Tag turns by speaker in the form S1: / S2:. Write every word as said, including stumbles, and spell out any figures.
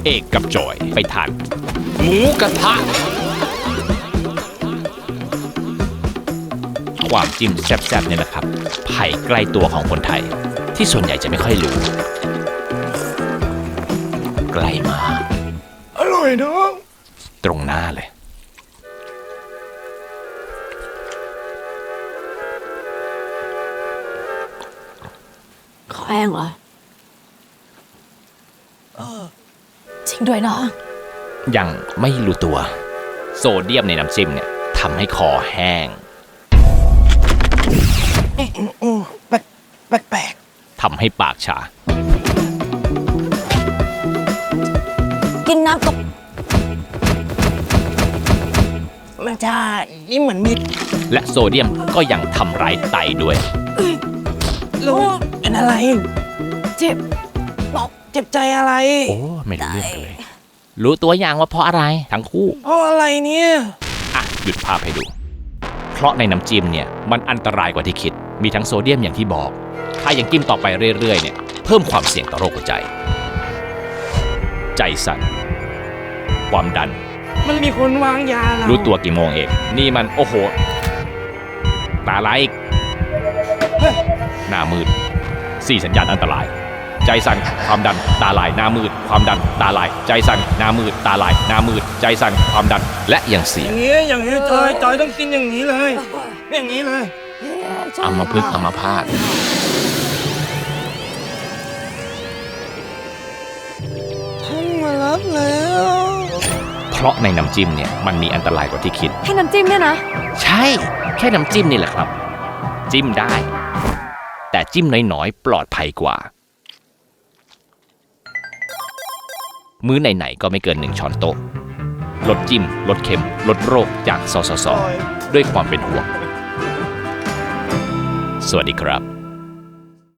S1: เอกกับจอยไปทานหมูกระทะความจิ้มแซ่บๆเนี่ยนะครับไผ่ใกล้ตัวของคนไทยที่ส่วนใหญ่จะไม่ค่อยรู้ใกล้มาอร่อยน้องตรงหน้าเลย
S2: แข้งเหรอจริงด้วยเนาะ
S1: ยังไม่รู้ตัวโซเดียมในน้ำจิ้มเนี่ยทำให้คอแห้ง
S3: แปลกแปลกแปลก
S1: ทำให้ปากชา
S2: กินน้ำตก
S3: มันจะนี่เหมือนมี
S1: และโซเดียมก็ยังทำร้ายไตด้วย
S3: รู้เป็นอะไร
S2: เจ็บ
S3: บอกเจ็บใจอะไร
S1: โอ้ไม่รู้เรื่องเลยรู้ตัวอย่างว่าเพราะอะไรทั้งคู่
S3: เพราะอะไรเนี่ย
S1: อ่ะหยุดภาพให้ดูเพราะในน้ำจิ้มเนี่ยมันอันตรายกว่าที่คิดมีทั้งโซเดียมอย่างที่บอกถ้ายังกินต่อไปเรื่อยๆเนี่ยเพิ่มความเสี่ยงต่อโรคหัวใจใจสั่นความดัน
S3: มันมีคนวางยาเรา
S1: รู้ตัวกี่โมงเองนี่มันโอ้โหตาลายอีกหน้ามืดสี่สัญญาณอันตรายใจสั่นความดันตาลายหน้ามืดความดันตาลายใจสั่นหน้ามืดตาลายหน้ามืดใจสั่นความดันและยังเสีย
S3: อย่างนี้อย่างนี้จอยจอยต้องกินอย่างนี้เลยอย่างนี้เลย
S1: อัมพฤกษ์อัมพาต
S3: ท่านมารับแล้ว
S1: เพราะในน้ำจิ้มเนี่ยมันมีอันตรายกว่าที่คิด
S2: แค่น้ำจิ้มเนี่ยนะ
S1: ใช่แค่น้ำจิ้มนี่แหละครับจิ้มได้แต่จิ้มน้อยๆปลอดภัยกว่ามื้อไหนๆก็ไม่เกินหนึ่งช้อนโต๊ะลดจิ้มลดเค็มลดโรคจากสสสด้วยความเป็นห่วงสวัสดีครับ